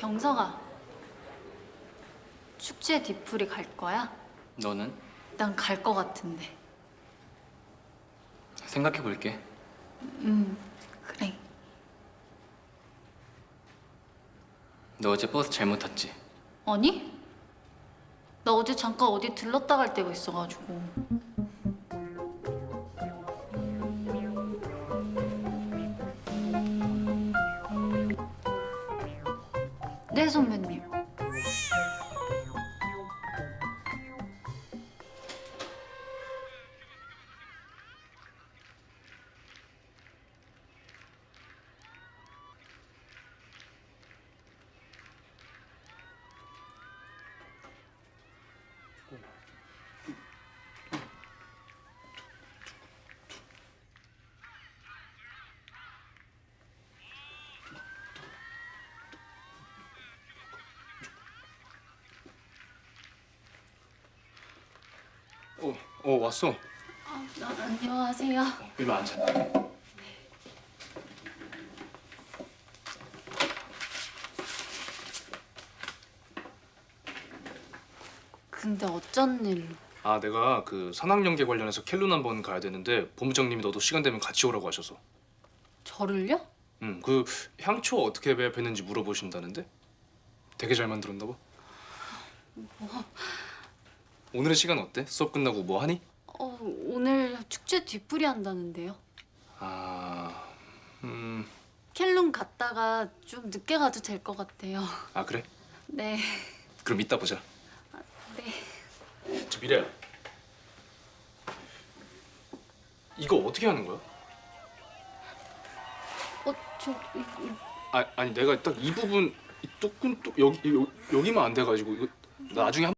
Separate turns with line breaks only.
경서가 축제 뒤풀이 갈 거야?
너는?
난 갈 거 같은데.
생각해 볼게.
그래.
너 어제 버스 잘못 탔지?
아니? 나 어제 잠깐 어디 들렀다 갈 데가 있어가지고. 네, 선배님.
왔어.
안녕하세요.
일로 앉아.
근데 어쩐 일로?
내가 그 산학연계 관련해서 켈룬 한번 가야 되는데 본부장님이 너도 시간 되면 같이 오라고 하셔서.
저를요?
그 향초 어떻게 배웠는지 물어보신다는데? 되게 잘 만들었나 봐. 오늘은 시간 어때? 수업 끝나고 뭐 하니?
오늘 축제 뒤풀이 한다는데요. 켈룬 갔다가 좀 늦게 가도 될 것 같아요.
그래?
네.
그럼 이따 보자.
네.
저 미래야. 이거 어떻게 하는 거야? 아니 내가 딱 이 부분 이 여기만 안 돼가지고 이거 나중에